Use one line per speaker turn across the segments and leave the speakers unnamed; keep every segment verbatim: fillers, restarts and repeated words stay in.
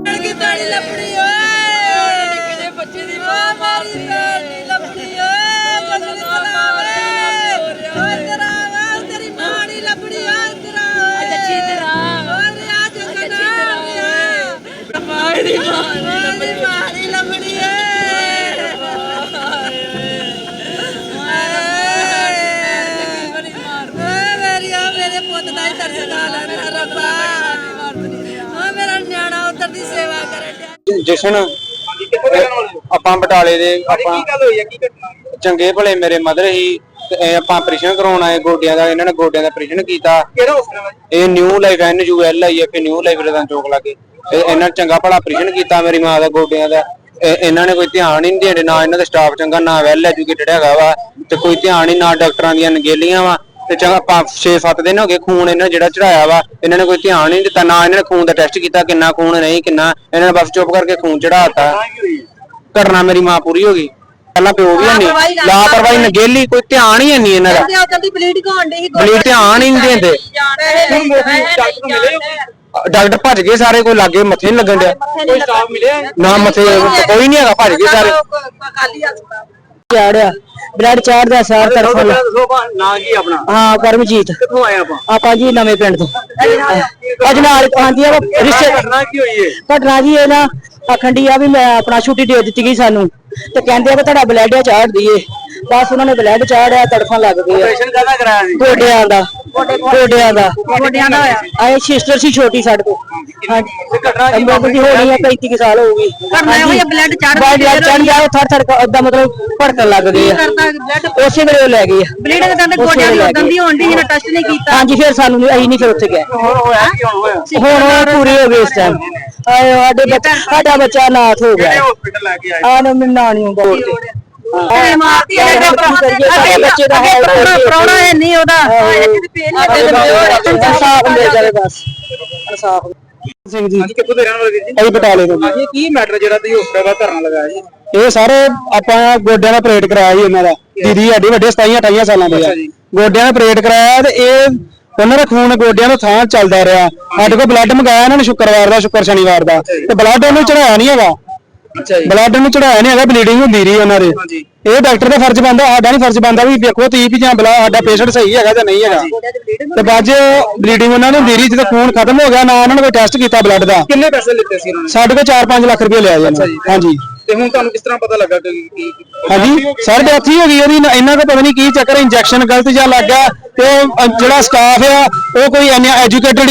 जशन ਆਪਾਂ ਬਟਾਲੇ ਦੇ ਆਪਾਂ ਚੰਗੇ ਭਲੇ ਮੇਰੇ ਮਦਰ ਹੀ ਆਪਾਂ ਆਪਰੇਸ਼ਨ ਕਰਾਉਣ ਆਏ ਗੋਡਿਆਂ ਦਾ ਇਹਨਾਂ ਨੇ ਗੋਡਿਆਂ ਦਾ ਆਪਰੇਸ਼ਨ ਕੀਤਾ ਇਹ new life N U L I F new life ਰਦਾਂ ਚੌਕ ਲਾਗੇ ਇਹਨਾਂ ਚੰਗਾ ਭਲਾ ਆਪਰੇਸ਼ਨ ਕੀਤਾ ਮੇਰੀ ਮਾਂ ਦਾ ਗੋਡਿਆਂ ਦਾ ਇਹਨਾਂ ਨੇ ਕੋਈ ਧਿਆਨ ਹੀ ਨਹੀਂ ਦਿੰਦੇ ਨਾ ਇਹਨਾਂ ਦਾ ਸਟਾਫ ਚੰਗਾ ਨਾ ਵੈਲ ਐਜੂਕੇਟਡ ਹੈਗਾ ਵਾ ਤੇ ਕੋਈ ਧਿਆਨ ਹੀ ਨਾ ਡਾਕਟਰਾਂ ਦੀਆਂ ਨਗੇਲੀਆਂ ਵਾ ਤੇ ਚੰਗਾ ਪੰਜ ਛੇ ਸੱਤ ਦਿਨ ਹੋ ਗਏ ਖੂਨ ਇਹਨਾਂ ਜਿਹੜਾ ਚੜਾਇਆ ਵਾ ਇਹਨਾਂ ਨੇ ਕੋਈ ਧਿਆਨ ਨਹੀਂ ਦਿੱਤਾ ਨਾ ਇਹਨਾਂ ਨੇ ਖੂਨ ਦਾ ਟੈਸਟ ਕੀਤਾ ਕਿੰਨਾ ਖੂਨ ਨਹੀਂ ਕਿੰਨਾ ਇਹਨਾਂ ਨੇ ਬਸ ਚੁੱਪ ਕਰਕੇ ਖੂਨ ਚੜਾਤਾ ਘਟਨਾ ਮੇਰੀ ਮਾਂ ਪੂਰੀ ਹੋ ਗਈ ਪਹਿਲਾਂ ਪਿਓ ਵੀ ਨਹੀਂ ਲਾਪਰਵਾਹੀ ਨਗੇਲੀ ਕੋਈ ਧਿਆਨ ਹੀ ਨਹੀਂ ਇਹਨਾਂ ਦਾ ਬਲੀਡ ਧਿਆਨ ਹੀ ਨਹੀਂ ਦਿੰਦੇ ਡਾਕਟਰ ਭੱਜ ਗਏ ਸਾਰੇ ਕੋਈ ਲਾਗੇ ਮੱਥੇ ਨਹੀਂ ਲੱਗਣ ਡਿਆ ਕੋਈ ਸਟਾਫ ਮਿਲਿਆ ਨਾ ਮੱਥੇ ਕੋਈ ਨਹੀਂ ਹੈਗਾ ਭੱਜ ਗਏ ਸਾਰੇ
ਚਾੜਿਆ ਬਲੱਡ ਚਾੜਦਾ ਸਾਰ ਤਰਫੋਂ
ਨਾ ਕੀ ਆਪਣਾ
ਹਾਂ ਕਰਮਜੀਤ
ਕਿੱਥੋਂ ਆਏ ਆਪਾਂ
ਆਪਾਂ ਜੀ ਨਵੇਂ ਪਿੰਡ ਤੋਂ ਅੱਜ ਨਾਲ ਆਂਦੀ ਆ ਰਿਸ਼ਤੇ
ਘਟਨਾ ਕੀ ਹੋਈ ਏ
ਘਟਨਾ ਜੀ ਇਹ ਨਾ ਆਖੰਡੀ ਆ ਵੀ ਮੈਂ ਆਪਣਾ ਛੁੱਟੀ ਦੇ ਦਿੱਤੀ ਗਈ ਸਾਨੂੰ ਤੇ ਕਹਿੰਦੇ ਆ ਕਿ ਤੁਹਾਡਾ ਬਲੱਡ ਚਾੜ ਦਈਏ ਬਸ ਉਹਨਾਂ ਨੇ ਬਲੱਡ ਚਾੜਿਆ ਤੜਫਾਂ ਲੱਗ ਗਈ
ਆਪਰੇਸ਼ਨ ਕਾਹਦਾ ਕਰਾਇਆ ਸੀ
ਗੋਡਿਆਂ ਦਾ ਗੋਡਿਆਂ ਦਾ ਗੋਡਿਆਂ ਦਾ ਹੋਇਆ ਆਏ ਸਿਸਟਰ ਸੀ ਛੋਟੀ ਸਾਡੇ ਕੋਲ ਹਾਂਜੀ ਘਟਨਾ ਦੀ ਹੋਣੀ ਆ ਪੈਂਤੀ ਸਾਲ ਹੋ ਗਈ
ਕਰਨਾ ਹੋਇਆ ਬਲੱਡ ਚੜ
ਬਲੱਡ ਚੜ ਗਿਆ ਥਰ ਥਰ ਅੱਧਾ ਮਤਲਬ ਭੜਕਣ ਲੱਗ ਗਏ ਆ ਉਸੇ ਵੇਲੇ ਉਹ ਲੈ ਗਏ
ਬਲੀਡ ਦੇ ਦੰਦ ਗੋਡਿਆਂ ਦੀ ਉਦੋਂ ਦੀ ਹੋਣ ਦੀ ਜਿਹਨੇ ਟੈਸਟ ਨਹੀਂ ਕੀਤਾ
ਹਾਂਜੀ ਫਿਰ ਸਾਨੂੰ ਅਸੀਂ ਨਹੀਂ ਫਿਰ ਉੱਥੇ ਗਏ
ਹੁਣ ਹੋਇਆ ਕੀ ਹੁਣ ਹੋਇਆ
ਹੁਣ ਉਹ ਪੂਰੀ ਹੋ ਗਈ ਇਸ ਟਾਈਮ ਆਏ ਸਾਡੇ ਬੱਚਾ ਸਾਡਾ ਬੱਚਾ ਨਾਥ ਹੋ ਗਿਆ
ਹਸਪੀਟਲ ਲੈ ਕੇ ਆਏ
ਆ ਨਾ ਮਿਲਣਾ ਨਹੀਂ ਹੁੰਦਾ
ਤੇ ਮਾਰਤੀ ਹੈ ਬੱਚੇ ਦਾ ਪ੍ਰੋਣਾ ਹੈ ਨਹੀਂ ਉਹਦਾ
ਇਨਸਾਫ ਮਿਲ ਜਾਵੇ ਬਸ ਇਨਸਾਫ ਸਿੰਘ ਜੀ
ਕਿੱਥੋਂ ਦੇ ਰਹਿਣ ਵਾਲੇ ਜੀ
ਅਸੀਂ ਬਟਾਲੇ ਤੋਂ
ਇਹ ਕੀ ਮੈਟਰ ਜਿਹੜਾ ਤੁਸੀਂ ਹਸਪੀਟਲ ਦਾ ਧਰਨਾ ਲਗਾਇਆ ਜੀ
ਇਹ ਸਾਰੇ ਆਪਾਂ ਗੋਡਿਆਂ ਦਾ ਆਪਰੇਟ ਕਰਾਇਆ ਜੀ ਇਹਨਾਂ ਦਾ ਦੀਦੀ ਸਾਡੀ ਵੱਡੇ ਸਤਾਈ ਅਠਾਈ ਸਾਲਾਂ ਦੇ ਆ ਗੋਡਿਆਂ ਦਾ ਆਪਰੇਟ ਕਰਾਇਆ ਤੇ ਇਹ ਉਹਨਾਂ ਦਾ ਖੂਨ ਗੋਡਿਆਂ ਤੋਂ ਥਾਂ ਚੱਲਦਾ ਰਿਹਾ ਸਾਡੇ ਕੋਲ ਬਲੱਡ ਮੰਗਾਇਆ ਇਹਨਾਂ ਨੇ ਸ਼ੁੱਕਰਵਾਰ ਦਾ ਸ਼ੁੱਕਰ ਸ਼ਨੀਵਾਰ ਦਾ ਤੇ ਬਲੱਡ ਉਹਨੂੰ ਚੜਾਇਆ ਨਹੀਂ ਹੈਗਾ
ਅੱਛਾ ਜੀ
ਬਲੱਡ ਨੂੰ ਚੜਾਇਆ ਨਹੀਂ ਹੈਗਾ ਬਲੀਡਿੰਗ ਹੁੰਦੀ ਰਹੀ ਉਹਨਾਂ ਦੇ ਇਹ ਡਾਕਟਰ ਦਾ ਫਰਜ਼ ਬਣਦਾ ਸਾਡਾ ਨਹੀਂ ਫਰਜ਼ ਬਣਦਾ ਵੀ ਵੇਖੋ ਤੁਸੀਂ ਵੀ ਜਾਂ ਬਲਾ ਸਾਡਾ ਪੇਸ਼ੈਂਟ ਸਹੀ ਹੈਗਾ ਜਾਂ ਨਹੀਂ ਹੈਗਾ ਤੇ ਬਾਅਦ ਬਲੀਡਿੰਗ ਉਹਨਾਂ ਨੂੰ ਹੁੰਦੀ ਰਹੀ ਜਦੋਂ ਖੂਨ ਖਤਮ ਹੋ ਗਿਆ ਨਾ ਉਹਨਾਂ ਨੇ ਕੋਈ ਟੈਸਟ ਕੀਤਾ ਬਲੱਡ ਦਾ
ਕਿੰਨੇ ਪੈਸੇ ਲਿੱਤੇ ਸੀ ਉਹਨਾਂ ਨੇ
ਸਾਡੇ ਕੋਲ ਚਾਰ ਪੰਜ ਲੱਖ ਰੁਪਏ ਲਿਆ ਜੀ ਹਾਂਜੀ
ਤੇ ਹੁਣ ਤੁਹਾਨੂੰ ਕਿਸ ਤਰ੍ਹਾਂ ਪਤਾ ਲੱਗਾ ਕਿ
ਹਾਂਜੀ ਸਰ ਡੈਥ ਹੀ ਹੋ ਗਈ ਉਹਦੀ ਇਹਨਾਂ ਦਾ ਪਤਾ ਨਹੀਂ ਕੀ ਚੱਕਰ ਇੰਜੈਕਸ਼ਨ ਗਲਤ ਜਿਹਾ ਲੱਗ ਗਿਆ ਤੇ ਜਿਹੜਾ ਸਟਾਫ ਆ ਉਹ ਕੋਈ ਐਜੂਕੇਟਡ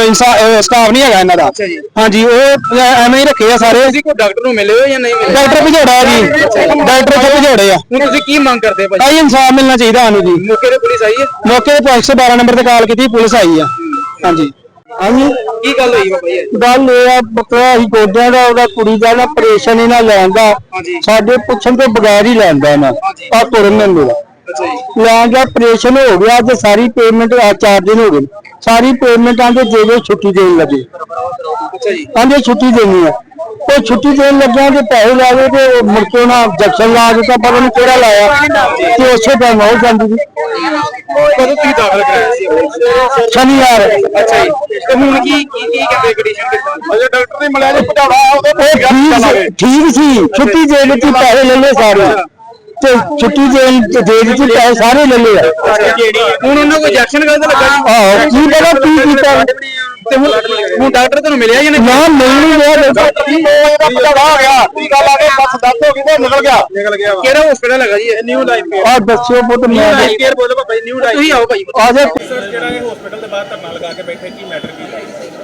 ਸਟਾਫ ਨਹੀਂ ਹੈਗਾ ਇਹਨਾਂ ਦਾ ਹਾਂਜੀ ਉਹ ਐਵੇਂ ਹੀ ਰੱਖੇ ਆ ਸਾਰੇ
ਤੁਸੀਂ ਕੋਈ ਡਾਕਟਰ ਨੂੰ ਮਿਲੇ ਹੋ ਜਾਂ ਨਹੀਂ ਮਿਲੇ
ਡਾਕਟਰ ਭਜੋੜਾ ਜੀ ਡਾਕਟਰ ਇੱਥੇ ਭਜੋੜੇ ਆ
ਹੁਣ ਤੁਸੀਂ ਕੀ ਮੰਗ ਕਰਦੇ ਭਾਈ
ਭਾਈ ਇਨਸਾਫ ਮਿਲਣਾ ਚਾਹੀਦਾ ਸਾਨੂੰ ਜੀ
ਮੌਕੇ ਤੇ ਪੁਲਿਸ ਆਈ ਹੈ
ਮੌਕੇ ਤੇ ਇੱਕ ਸੌ ਬਾਰਾਂ ਨੰਬਰ ਤੇ ਕਾਲ ਕੀਤੀ ਪੁਲਿਸ ਆਈ ਆ ਹਾਂਜੀ ਹਾਂਜੀ
ਕੀ ਗੱਲ ਹੋਈ ਬਾਬਾ ਜੀ
ਗੱਲ ਇਹ ਆ ਬੱਕਰਾ ਅਸੀਂ ਗੋਡਿਆਂ ਦਾ ਉਹਦਾ ਕੁੜੀ ਦਾ ਨਾ ਆਪਰੇਸ਼ਨ ਇਹਨਾਂ ਲੈਂਦਾ ਸਾਡੇ ਪੁੱਛਣ ਤੋਂ ਬਗੈਰ ਹੀ ਲੈਂਦਾ ਨਾ ਆ ਤੁਰਨ ਨੂੰ ਲੈਣ ਦਾ ਆਪਰੇਸ਼ਨ ਹੋ ਗਿਆ ਤੇ ਸਾਰੀ ਪੇਮੈਂਟ ਆ ਚਾਰ ਦਿਨ ਹੋ ਗਏ ਸਾਰੀ ਪੇਮੈਂਟਾਂ ਦੇ ਦੇ ਛੁੱਟੀ ਦੇਣ ਲੱਗੇ
ਅੱਛਾ ਜੀ
ਆਂਦੇ ਛੁੱਟੀ ਦੇਣੀ ਆ ਉਹ ਛੁੱਟੀ ਦੇਣ ਲੱਗਿਆ ਤੇ ਪੈਸੇ ਲਾ ਗਏ ਤੇ ਮੁੜ ਕੇ ਉਹਨਾਂ ਜੈਕਸ਼ਨ ਲਾ ਦਿੱਤਾ ਪਤਾ ਨਹੀਂ ਕਿਹੜਾ ਲਾਇਆ ਤੇ ਉਸੇ ਟਾਈਮ ਹੋ ਜਾਂਦੀ ਸੀ
ਕਦੋਂ ਤੁਸੀਂ ਦਾਖਲ ਕਰਾਇਆ ਸੀ
ਸ਼ਨੀਵਾਰ
ਅੱਛਾ ਜੀ ਤੇ ਹੁਣ ਕੀ ਕੀ ਕੀ ਕਹਿੰਦੇ ਕੰਡੀਸ਼ਨ ਕਿਦਾਂ ਅਜੇ ਡਾਕਟਰ ਨੇ ਮਿਲਿਆ ਜੇ ਪਟਾਵਾ
ਉਹਦੇ ਠੀਕ ਸੀ ਛੁੱਟੀ ਦੇ ਦਿੱਤੀ ਪੈਸੇ ਲੈ ਲਏ ਸਾਰੇ ਤੇ ਛੁੱਟੀ ਦੇ ਦੇ ਦਿੱਤੀ ਪੈਸੇ ਸਾਰੇ ਲੈ ਲਏ
ਹੁਣ ਉਹਨਾਂ ਕੋਈ ਇੰਜੈਕਸ਼ਨ ਗਲਤ ਲੱਗਾ ਜੀ
ਆਹੋ ਕੀ ਪਤਾ ਕੀ ਕੀਤਾ
ਤੇ ਹੁਣ ਹੁਣ ਡਾਕਟਰ ਤੁਹਾਨੂੰ ਮਿਲਿਆ ਜਾਂ ਨਹੀਂ
ਨਾ ਨਹੀਂ ਗਿਆ
ਪਟਾਵਾ ਹੋ ਗਿਆ ਟੀਕਾ ਲਾ ਕੇ ਬਸ ਦੱਸ ਹੋ ਗਈ ਤੇ ਨਿਕਲ ਗਿਆ ਨਿਕਲ ਗਿਆ ਕਿਹੜਾ ਹਸਪੀਟਲ ਹੈਗਾ ਜੀ ਇਹ ਨਿਊ ਲਾਈਫ ਕੇਅਰ
ਆ ਦੱਸਿਓ ਪੁੱਤ
ਨਿਊ ਲਾਈਫ ਕੇਅਰ ਬੋਲੋ ਬਾਬਾ ਜੀ ਨਿਊ ਲਾਈਫ ਤੁਸੀਂ ਆਓ ਭਾਈ
ਆ ਜਾ
ਜਿਹੜਾ ਇਹ ਹਸਪੀਟਲ ਦੇ ਬਾਹਰ ਧਰਨਾ ਲਗਾ ਕੇ ਬੈਠੇ ਕੀ ਮੈਟਰ ਕੀ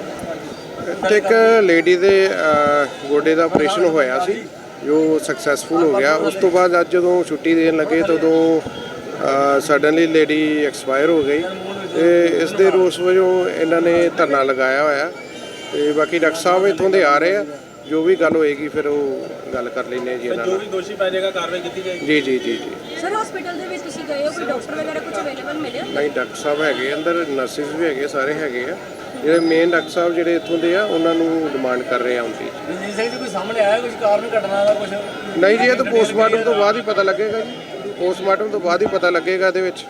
ਹੈ
ਇੱਕ ਲੇਡੀ ਦੇ ਗੋਡੇ ਦਾ ਆਪਰੇਸ਼ਨ ਹੋਇਆ ਸੀ ਜੋ ਸਕਸੈਸਫੁਲ ਹੋ ਗਿਆ ਉਸ ਤੋਂ ਬਾਅਦ ਅੱਜ ਜਦੋਂ ਛੁੱਟੀ ਦੇਣ ਲੱਗੇ ਤਾਂ ਉਦੋਂ ਸਡਨਲੀ ਲੇਡੀ ਐਕਸਪਾਇਰ ਹੋ ਗਈ ਤੇ ਇਸ ਦੇ ਰੋਸ ਵਜੋਂ ਇਹਨਾਂ ਨੇ ਧਰਨਾ ਲਗਾਇਆ ਹੋਇਆ ਤੇ ਬਾਕੀ ਡਾਕਟਰ ਸਾਹਿਬ ਇੱਥੋਂ ਦੇ ਆ ਰਹੇ ਆ ਜੋ ਵੀ ਗੱਲ ਹੋਏਗੀ ਫਿਰ ਉਹ ਗੱਲ ਕਰ ਲੈਣੇ ਜੀ ਇਹਨਾਂ ਨਾਲ
ਜੋ ਵੀ ਦੋਸ਼ੀ ਪੈ ਜਾਏਗਾ ਕਾਰਵਾਈ ਕੀਤੀ ਜਾਏਗੀ
ਜੀ ਜੀ ਜੀ ਜੀ
ਸਰ ਹਸਪੀਟਲ ਦੇ ਵਿੱਚ ਤੁਸੀਂ ਗਏ ਹੋ ਕੋਈ ਡਾਕਟਰ ਵਗੈਰਾ ਕੁਝ ਅਵੇਲੇਬਲ ਮਿਲਿਆ
ਨਹੀਂ ਡਾਕਟਰ ਸਾਹਿਬ ਹੈਗੇ ਅੰਦਰ ਨਰਸਿਸ ਵੀ ਹੈਗੇ ਸਾਰੇ ਹੈਗੇ ਆ ਜਿਹੜੇ ਮੇਨ ਡਾਕਟਰ ਸਾਹਿਬ ਜਿਹੜੇ ਇੱਥੋਂ ਦੇ ਆ ਉਹਨਾਂ ਨੂੰ ਡਿਮਾਂਡ ਕਰ ਰਹੇ ਆ ਹੁੰਦੀ
ਜੀ ਸਹੀ ਕੋਈ ਸਾਹਮਣੇ ਆਇਆ ਕੁਝ ਕਾਰਨ ਘਟਨਾ ਦਾ ਕੁਝ
ਨਹੀਂ ਜੀ ਇਹ ਤਾਂ ਪੋਸਟਮਾਰਟਮ ਤੋਂ ਬਾਅਦ ਹੀ ਪਤਾ ਲੱਗੇਗਾ ਜੀ ਪੋਸਟਮਾਰਟਮ ਤੋਂ ਬਾਅਦ ਹੀ ਪਤਾ ਲੱਗੇਗਾ ਇਹਦੇ ਵਿੱਚ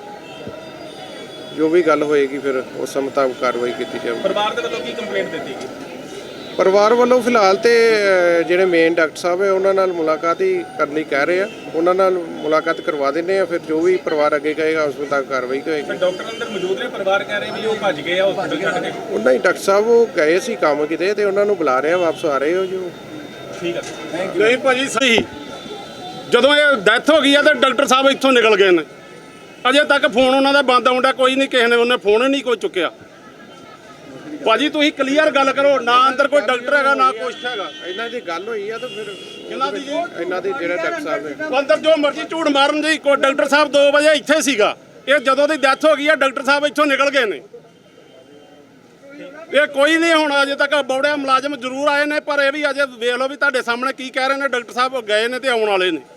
ਜੋ ਵੀ ਗੱਲ ਹੋਏਗੀ ਫਿਰ ਉਸ ਮੁਤਾਬਕ ਕਾਰਵਾਈ ਕੀਤੀ ਜਾਊਗੀ
ਪਰਿਵਾਰ ਦੇ ਵੱਲੋਂ ਕੀ ਕੰਪਲੇਂਟ ਦਿੱਤੀ ਗਈ
ਪਰਿਵਾਰ ਵੱਲੋਂ ਫਿਲਹਾਲ ਤੇ ਅ, ਜਿਹੜੇ ਮੇਨ ਡਾਕਟਰ ਸਾਹਿਬ ਹੈ ਉਹਨਾਂ ਨਾਲ ਮੁਲਾਕਾਤ ਹੀ ਕਰਨੀ ਕਹਿ ਰਹੇ ਆ। ਉਹਨਾਂ ਨਾਲ ਮੁਲਾਕਾਤ ਕਰਵਾ ਦਿੰਦੇ ਆ, ਫਿਰ ਜੋ ਵੀ ਪਰਿਵਾਰ ਅੱਗੇ ਕਹੇਗਾ ਉਸ ਮੁਤਾਬਕ ਕਾਰਵਾਈ ਹੋਏਗੀ।
ਡਾਕਟਰ ਅੰਦਰ ਮੌਜੂਦ ਨੇ, ਪਰਿਵਾਰ ਕਹਿ ਰਹੇ ਵੀ ਉਹ ਭੱਜ ਗਏ ਆ ਹਸਪੀਟਲ ਛੱਡ ਕੇ।
ਉਹਨਾਂ ਹੀ ਡਾਕਟਰ ਸਾਹਿਬ ਉਹ ਗਏ ਸੀ ਕੰਮ ਕਿਤੇ ਤੇ ਉਹਨਾਂ ਨੂੰ ਬੁਲਾ ਰਿਹਾ, ਵਾਪਸ ਆ ਰਹੇ ਹੋ ਜੋ।
ਠੀਕ ਹੈ,
ਨਹੀਂ ਭਾਜੀ ਸਹੀ, ਜਦੋਂ ਇਹ ਡੈਥ ਹੋ ਗਈ ਆ ਤਾਂ ਡਾਕਟਰ ਸਾਹਿਬ ਇੱਥੋਂ ਨਿਕਲ ਗਏ ਨੇ। ਅਜੇ ਤੱਕ ਫੋਨ ਉਹਨਾਂ ਦਾ ਬੰਦ ਆਉਂਦਾ, ਕੋਈ ਨਹੀਂ, ਕਿਸੇ ਨੇ ਉਹਨੇ ਫੋਨ ਹੀ ਨਹੀਂ ਕੋਈ ਚੁੱਕਿਆ। ਭਾਜੀ ਤੁਸੀਂ ਕਲੀਅਰ ਗੱਲ ਕਰੋ, ਨਾ ਅੰਦਰ ਕੋਈ ਡਾਕਟਰ ਹੈਗਾ ਨਾ ਕੁਛ ਹੈਗਾ।
ਇਹਨਾਂ ਦੀ ਗੱਲ ਹੋਈ ਆ ਤਾਂ ਫਿਰ
ਕਿਹਨਾਂ ਦੀ ਜੀ?
ਇਹਨਾਂ ਦੀ ਜਿਹੜੇ ਡਾਕਟਰ ਸਾਹਿਬ ਨੇ
ਅੰਦਰ ਜੋ ਮਰਜ਼ੀ ਝੂਠ ਮਾਰਨ ਜੀ, ਕੋਈ ਡਾਕਟਰ ਸਾਹਿਬ ਦੋ ਵਜੇ ਇੱਥੇ ਸੀਗਾ। ਇਹ ਜਦੋਂ ਦੀ ਡੈਥ ਹੋ ਗਈ ਆ ਡਾਕਟਰ ਸਾਹਿਬ ਇੱਥੋਂ ਨਿਕਲ ਗਏ ਨੇ। ਇਹ ਕੋਈ ਨਹੀਂ ਹੁਣ ਅਜੇ ਤੱਕ ਬੌੜਿਆ ਮੁਲਾਜ਼ਮ ਜ਼ਰੂਰ ਆਏ ਨੇ, ਪਰ ਇਹ ਵੀ ਅਜੇ ਵੇਖ ਲਓ ਵੀ ਤੁਹਾਡੇ ਸਾਹਮਣੇ ਕੀ ਕਹਿ ਰਹੇ ਨੇ। ਡਾਕਟਰ ਸਾਹਿਬ ਗਏ ਨੇ ਤੇ ਆਉਣ ਵਾਲੇ ਨੇ।